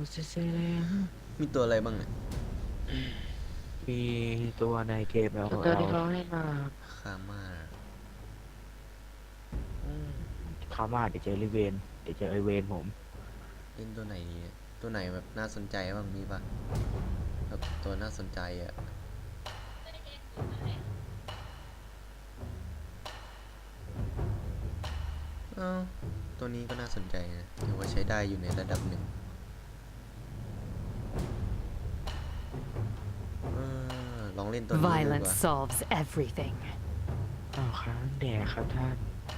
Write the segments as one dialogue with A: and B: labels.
A: มีตัวอะไรบ้างเนี่ย
B: มีตัวในเกมแล้ว
C: ตัวที่เขาให้มา
A: คาม่า
B: คามาเดี๋ยวเจอริเวนเดี๋ยวเจอไอเวนผม
A: เล่นตัวไหนดีเนี่ยตัวไหนแบบน่าสนใจบ้างมีปะแบบตัวน่าสนใจอ่ะเอ้าตัวนี้ก็น่าสนใจนะถือว่าใช้ได้อยู่ในระดับหนึ่งลองเล่นตัวนี้ดูดีก
D: Violence
A: ว่า
D: solves everything.
B: อ้าวค้างแดดครับท่าน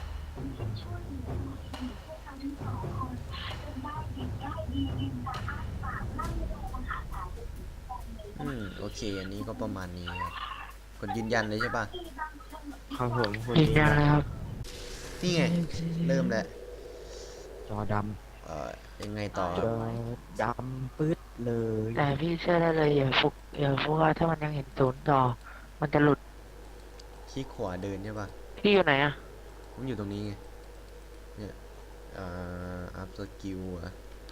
A: โอเคอันนี้ก็ประมาณนี้ครับกดยืนยันเลยใช่ปะ
B: ครับผมคน
C: ยืนยันเลยครับ
A: นี่ไงเริ่มแล้ว
B: จอด
A: ยังไงต่อ
B: ำจอดำปึ๊ดเลย
C: แต่พี่เชื่อได้เลยอย่าฟุกว่าถ้ามันยังเห็นศูนย์ต่อ มันจะหลุด
A: คลิกขวาเดินใช่ปะ
C: พี่อยู่ไหนอะ
A: ผมอยู่ตรงนี้ไงเนี่ยอัพสกิลอะ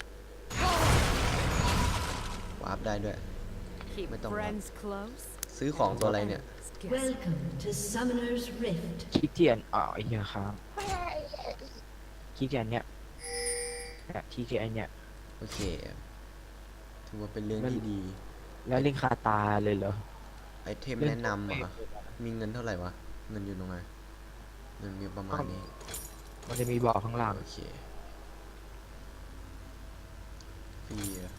A: วาร์ปได้ด้วย
D: Keep
A: Mấy tông
D: friends close.
A: ซื้อของตัวอะไรเนี่ย
D: Guess
E: Welcome to Summoner's Rift.
B: ขี้เกียจไอ้เหี้ยครับขี้เกียจเนี่ยขี้เกียจเนี่ย
A: โอเคถือว่าเป็นเรื่องที่ดี
B: แล้วลิงคาตาเลยเหรอ
A: ไอเทมแนะนำอ่ะมีเงินเท่าไหร่วะ เงินอยู่ตรงไหนเงินมีประมาณนี้
B: มันจะมีบอกข้างล่าง
A: โอเคฟรีอะ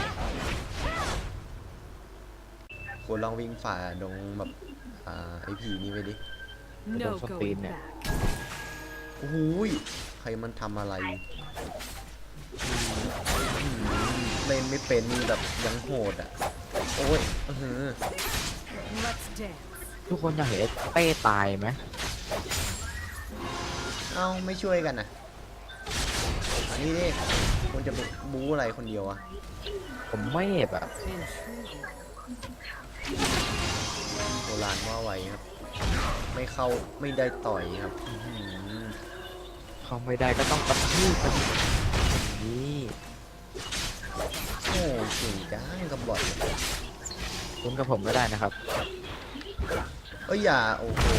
A: ควรลองวิ่งฝ่าดงแบบไอผีนี่ไปดิ
D: no
B: Don't
D: going
B: spin it.
D: back.
A: โอ้โหยใครมันทำอะไรเล่นไม่เป็นนี่แบบยังโหดอ่ะ โอ้ย
D: Let's dance.
B: ทุกคนอยากเห็นเป้ตายไหม
A: เอ้าไม่ช่วยกันนะอันนี้ดิคนจะไปบู๊อะไรคนเดียวอะ
B: ผมไม่แบบ
D: Intriguing.
A: โบราณว่าไว้ครับ ไม่เข้าไม่ได้ต่อยครับอ
B: เขาไม่ได้ก็ต้องกระทืบกันนี่
A: โอ้เก่งจังกับบอท
B: คุณกับผมก็ได้นะครับ
A: เอ้ยอย่าโอ้โห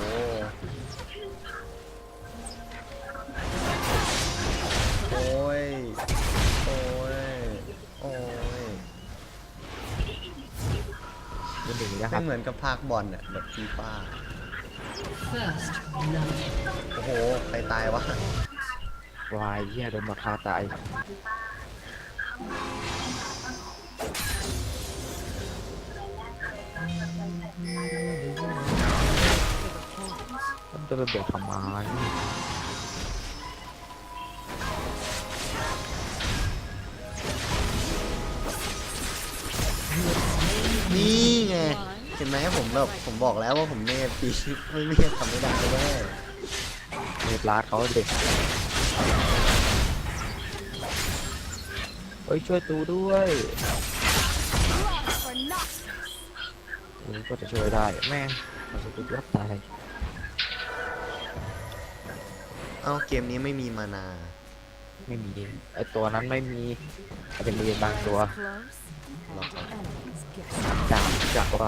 A: โอ้ยโอ้ยโอ้ย
B: เป็นอย่างนี้นะค
A: ไม่
B: รับ
A: เหมือนกับภาคบอลอะแบบฟีฟ่า
E: First blood.
A: โอ้โหใครตายวะ
B: วายเหี้ยโดนมาฆ่าตายมันจะไปเบียดทำไม
A: นี่ไงเห็นไหมผมบอกแล้วว่าผมเมฟปีไม่เมฟทำไม่ได้แน่
B: เมปลาดเขาเด็กเฮ้ยช่วยตูด้วยก็จะช่วยได้แม่งมันจะตูรับตาย
A: เอ้าเกมนี้ไม่มีมานา
B: ไม่มีไอตัวนั้นไม่มีอาจจะมีบางตัว
D: Close.
A: หรอกครับ
D: Enemies guess.
B: จากว่า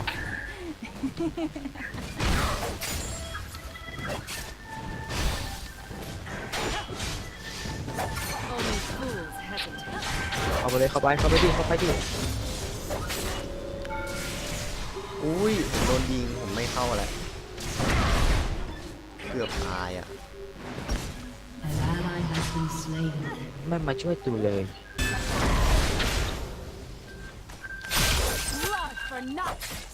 D: Only fools hesitate.
B: เข้าไปเลยเข้าไปดิ
A: อุ้ยผมโดนยิงผมไม่เข้าแหละเกือบตายอ่ะ
E: An ally has been slain.
B: ไม่มาช่วยตูเลย
D: Blood for Noctis.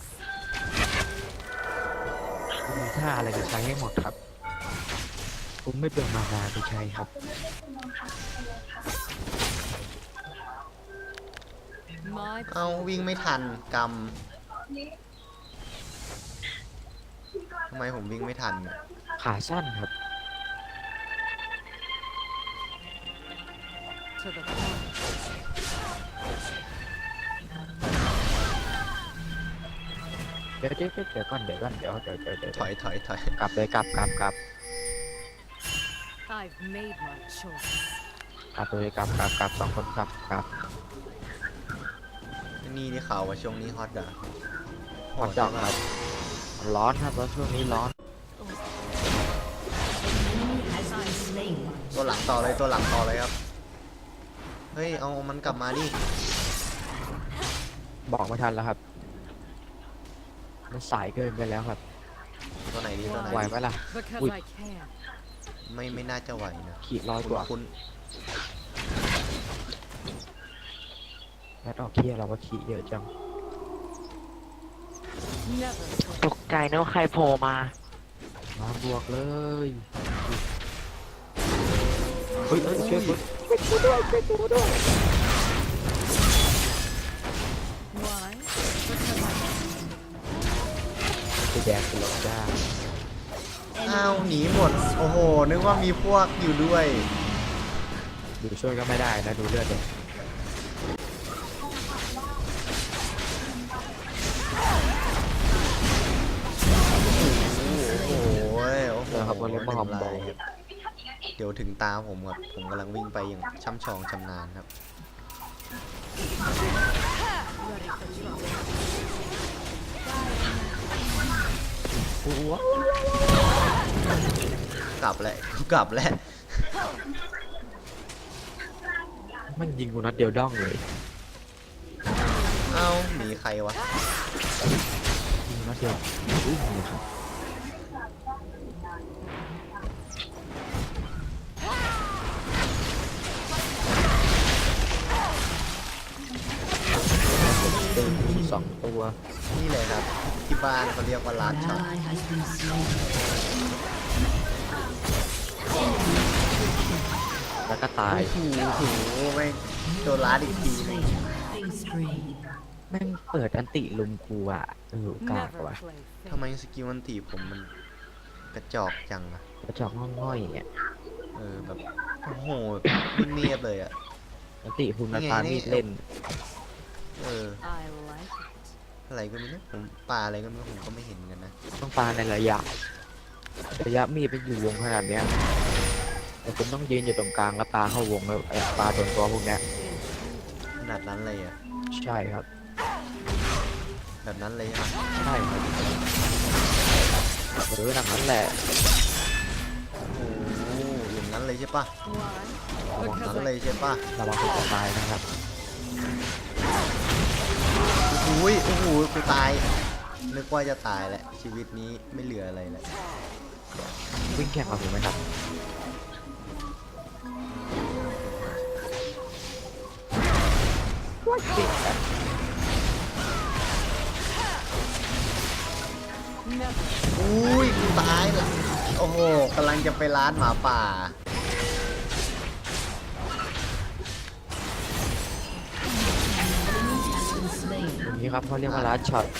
B: มีท่าอะไรจะใช้ให้หมดครับ ผมไม่เป็นมานาจะใช้ครับ
D: My
A: เอาวิ่งไม่ทันกรรมทำไมผมวิ่งไม่ทันเนี่ย
B: ขาสั้นครับ
D: to the point.
B: เดี๋ยวก่อนเดี๋ยว
A: ถอย
B: กลับเลยกลับ
D: I've made my choice.
B: เลยกลับสองคนกลับ
A: นี่ได้ข่าวว่าช่วงนี้ฮอตเหรอ
B: ฮอตดอกครับร้อนครับแล้วช่วงนี้ร้อน
E: Has been slain.
A: ตัวหลังต่อเลยตัวหลังต่อเลยครับเฮ้ยเอามันกลับมาดิ
B: บอกไม่ทันแล้วครับมันสายเกินไปแล้วครับ
A: ตัวไหนดีตัวไหน
B: ไหว
A: ดี
B: ไหมล่ะ
D: Because
B: Ui.
D: I can.
A: ไม่น่าจะไหวนะ
B: ขีดร้อยกว่า
A: คุณ
B: แล้วดอกเคียเราก็ขีดเยอะจัง
D: Never.
C: ตกใจนึกว่าใครโผล่มา
B: มาบวกเลยเฮ้ยช่วย
D: Why?
B: ไปแดกกันหรอกจ้า
A: อ้าวหนีหมดโอ้โหนึกว่ามีพวกอยู่ด้วย
B: ดูช่วยก็ไม่ได้นะดูเลือดเลย
A: โอ้โหโอ้โห
B: เดี๋ยวครับวันนี้มาหอมบอล
A: เดี๋ยวถึงตาผมครับผมกำลังวิ่งไปอย่างช่ำชองชำนาญครับ
D: Ready for trouble.
B: อ้ว
A: กลับแล้วกลับแล้ว
B: มันยิงกูนัดเดียวด้องเลย
A: เอ้าหนีใครวะ
B: ยิงนัดเดียวอุ้ยนี่ครับเติมอีก2 ตัว
A: นี่เลยครับที่บ้านเขาเรียกว่าลาด
E: An
A: ช็อต
E: ally has been slain.
B: แล้วก็ตาย
A: โอ้โหไม่งโดนลาดอีกทีหนึง
E: Slain. Killing spree.
B: แม่งเปิดอันติลุมกูอ่ะกาก
D: Never
B: ว่ะ
D: play
A: ทำไม
D: fair.
A: สกิลมันตีผมมันกระจอกจังอะ
B: กระจอกง่อยๆเนี่ย
A: แบบโอ้โหเนียบเลยอะ
B: อันติคุณมา
A: นี่ไง
B: ปา
A: นี่
B: มีดเล่น
D: I like it.
A: อะไรก็ไม่รู้ผมปลาอะไรก็ไม่รู้ผมก็ไม่เห็นเหมือนกันนะ
B: ต้องปาในระยะมีดไปอยู่วงขนาดเนี้ยแต่คุณต้องยืนอยู่ตรงกลางแล้วปาเข้าวงแล้วปาโดนตัวพวกเนี้ย
A: ขนาดนั้นเลยอะ
B: ใช่ครับ
A: แบบนั้นเลยใช่ไหม
B: ใช่ครับหนังนั้นแหละ
A: โอ้โหอย่างนั้นเลยใช่ปะ
D: Why?
A: อย่าง
D: Because
A: นั้น
D: I
A: เลยใช่ปะ
B: ระวังคุณจะตายนะครับ
A: โอ้โหโอ้โหกูตายนึกว่าจะตายแหละชีวิตนี้ไม่เหลืออะไรแล้ว
B: วิ่งแข่งกับผมไหมครับเก่งอะ
D: never.
A: อุ้ยกูตายละโอ้โหกำลังจะไปร้านหมาป่า
E: Has been slain.
B: ตรงนี้ครับเขาเรียกว่าลัดช็อต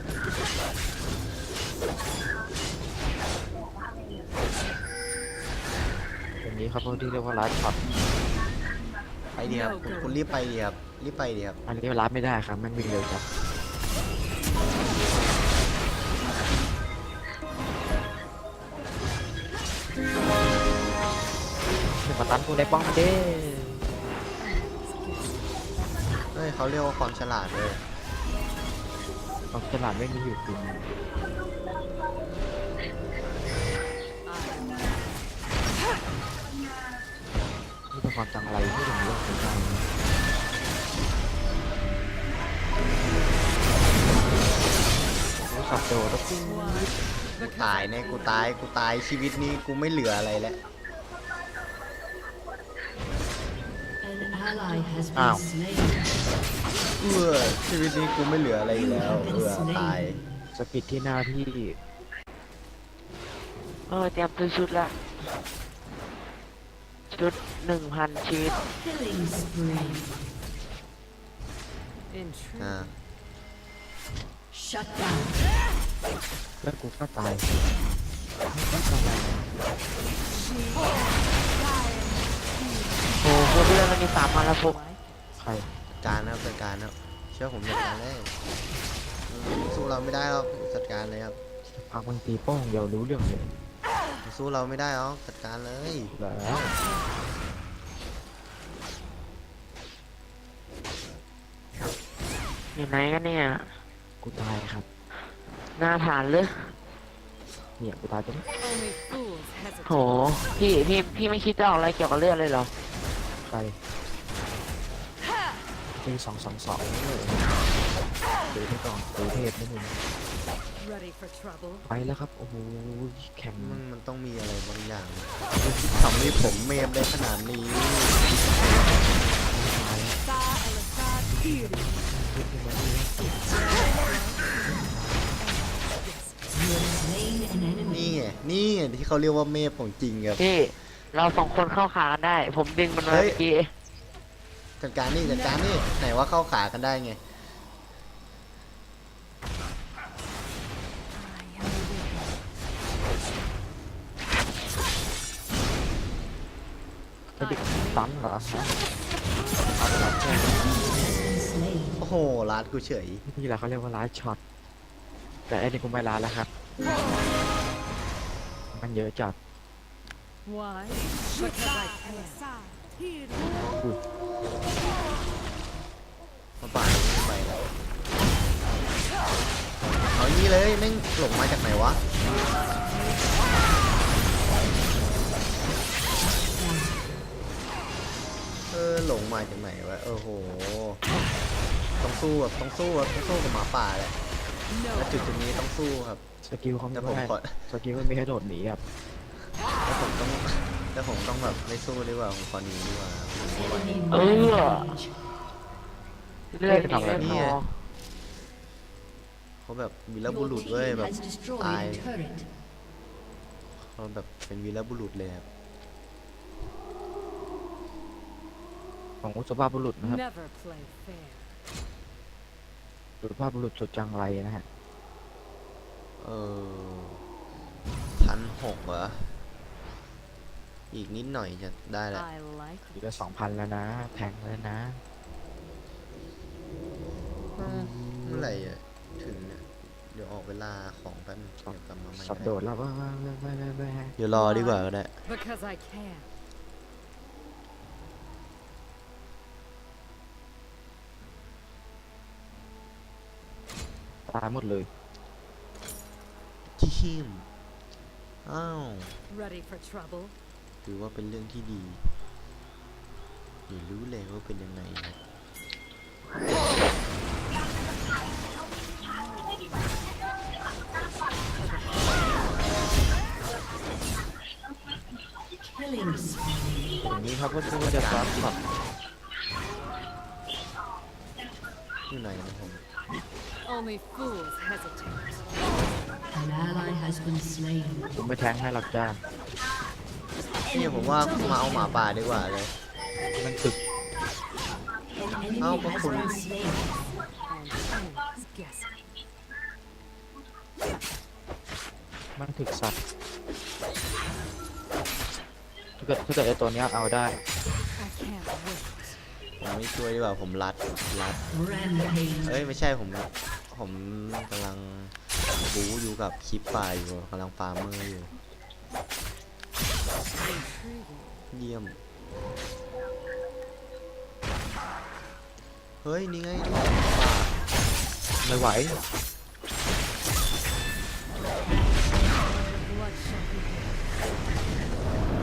B: ตรงนี้ครับเขาที่เรียกว่าลัดช็อต
A: ไปดีครับคุณรีบไปดีครับรีบไปดีครับ
B: อันนี้ลัดไม่ได้ครับแม่งวิ่งเร็วจังเดี๋ยวมาตันกูในป้อมเด้
A: เฮ้ยเขาเรียกว่าความฉลาดเลย
B: ความฉลาดไม่มีอยู่จริง นี่เป็นความจังไรที่ถึงเรื่องของการรู้สับโดด
A: กูตายแน่กูตายชีวิตนี้กูไม่เหลืออะไรแล้ว
E: An ally has
B: Ow.
E: been slain.
A: ชีวิตนี้กูไม่เหลืออะไรอีกแล้วตาย
B: สปิดที่หน้าที่
C: เตรียมซื้อชุดละ ชุด 1,000 ชีวิต
E: Killing spree.
D: Intriguing.
E: Shut down.
B: แล้วกูก็ตาย
C: โอ้โหเพื่อนมันมี3,000แล้วพวก
B: ใคร
A: จัดการนะครับจัดการนะครับเชื่อผมจัดการได้สู้เราไม่ได้หรอกจัดการเลยครับ
B: พักบางตีโป้งเดียวรู้เรื่องเลย
A: สู้เราไม่ได้หรอกจัดการเลย
B: แล้ว
C: อยู่ไหนกันเนี่ย
B: กูตายครับ
C: หน้าฐานหรือ
B: เนี่ยกูตายตรงนี้
D: Only fools
C: โห
D: hesitate.
C: พี่ไม่คิดจะออกอะไรเกี่ยวกับเลือดเลยเหรอ
B: ไปปี222เลยดูที่ก่อนดูเทพนิดนึง
D: Ready for trouble?
B: ไปแล้วครับ โอ้โหแข็ง
A: มันต้องมีอะไรบางอย่างทำให้ผมเมฟได้ขนาดนี้
B: ตาย
D: Sa Elisad Kiri.
E: You have slain an enemy.
A: นี่ไงที่เขาเรียกว่าเมฟของจริงครับ
C: พี่ เราสองคนเข้าขากันได้ ผมดึงมันมา
A: เฮ้ย
C: เมื่อกี้
A: จัดการนี่ไหนว่าเข้าขากันได้ไง
B: จะดิตันเหรอฮะ
E: Slain.
A: โอ้โหลาดกูเฉย
B: นี่แหละเขาเรียกว่าไลฟ์ช็อต แต่ไอ้นี่กูไม่ไลฟ์แล้วครับ มันเยอะจัด
D: Why? Because I can.
A: มาป่านนี้ไปแล้วเอาอย่างนี้เลยแม่งหลงมาจากไหนวะ หลงมาจากไหนวะโอ้โหต้องสู้กับหมาป่าแหละและจุดนี้ต้องสู้ครับ
B: สกิลเขา
A: แต่
B: ไม่
A: ผม
B: ได้
A: ขอ
B: สกิลมันมีให้โดดหนีครับ
A: แต่ผมต้องแบบไม่สู้ดีกว่าผมขอหนีดีกว่าผมไม่ไหว
E: Enemy
C: Oh.
E: rampage.
C: เลือดนี่ไม่พอ
A: เขาแบบวีรบุ
E: Your
A: รุษเว้ย
E: team
A: แบบ
E: has destroyed
A: ตาย
E: a turret.
A: เขาแบบเป็นวีรบุรุษเลยครับ
B: ของสุภาพบุรุษนะครับ
D: Never play fair.
B: สุภาพบุรุษสุดจังไรนะฮะ
A: 1,600เหรออีกนิดหน่อยจะได้แล้ว
D: I like
B: เหลื
D: it.
B: อ2,000 แล้วนะ แทงแล้วนะ
A: เมื่อไหร่อะถึงเนี่ยเดี๋ยวออกเวลาของแป๊บนึงเดี๋ยวกลับมาใหม่
B: สับ
A: ก็
B: โด
A: ได้
B: ดแล้วว่า
A: เดี๋ยวรอดีกว่าก็ได้
D: Because I can.
B: ตายหมดเลย
A: ทีมอ้าว
D: Ready for trouble?
A: ถือว่าเป็นเรื่องที่ดีเดี๋ยวรู้เลยว่าเป็นยังไงนะ
E: Killing spree.
B: อย่างนี้ครับก็คือจะซับช็อต
A: อยู่ไหนนะผม
D: Only fools hesitate.
E: An ally has been slain.
B: ผมไม่แทงให้หรอกจ้า
A: นี่ผมว่ามาเอาหมาป่าดีกว่าเลย
B: มันตึก
E: An enemy
A: Oh,
E: has
A: cool.
E: been slain.
D: And enemies guessing.
B: มันถึกสัตว์ถ้าเกิดไอ้ตัวเนี้ยเอาได้
D: I can't wait.
A: ผมไม่ช่วยดีกว่าผมรัด
E: Rampage.
A: เอ้ยไม่ใช่ผมกำลังบู๊อยู่กับคลิปป่าอยู่กำลังฟาร์มเมอร์อยู่
D: Intriguing.
A: เยี่ยม เฮ้ย นี่ไงนี่ป่า
B: ไม่ไหว
D: Blood shall be here.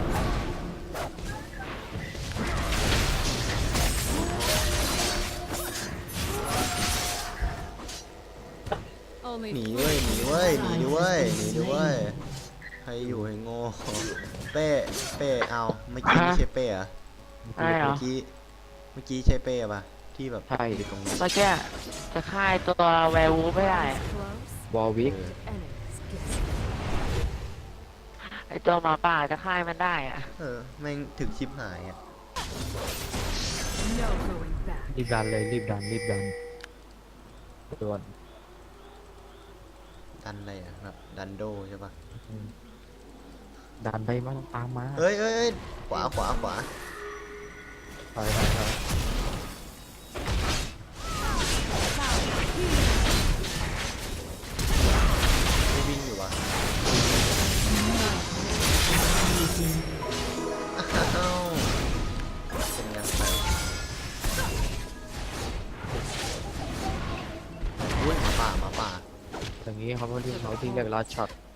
D: Only
A: หนี
D: fools
A: เว้ยหนีเว้ยหนีดิเว้ยหนีดิเว้ยใครอยู่ให้โง่เป้เอาเมื่อกี้ไม่ใช่เป้เหรอะ
C: ใช่เหรอ
A: เมื่อกี้ใช่เป้ปะที่แบบ
B: ใช่
A: อยู่ตรงนี้
C: เมื่อกี้จะฆ่าไอ้ตัวแวร์วูฟไม่ได้อะ
D: close.
B: วอลวิก
D: Enemies guessing.
C: ไอ้ตัวหมาป่าจะฆ่ามันได้อะ
A: แม่งถึงชิปหายอ่ะ
D: No going back.
B: รีบดันเลยรีบดันตัว
A: ดันอะไรอ่ะแบบดันโดใช่ปะ
B: ดันไปมาตามมา
A: เฮ้ยขวา
B: ไป
A: ไม่วิ่งอยู่วะอ้าวเป็นไงไปอุ้ยหมาป่าหมาป่า
B: อย่างนี้เขาเรียกลัดช็อต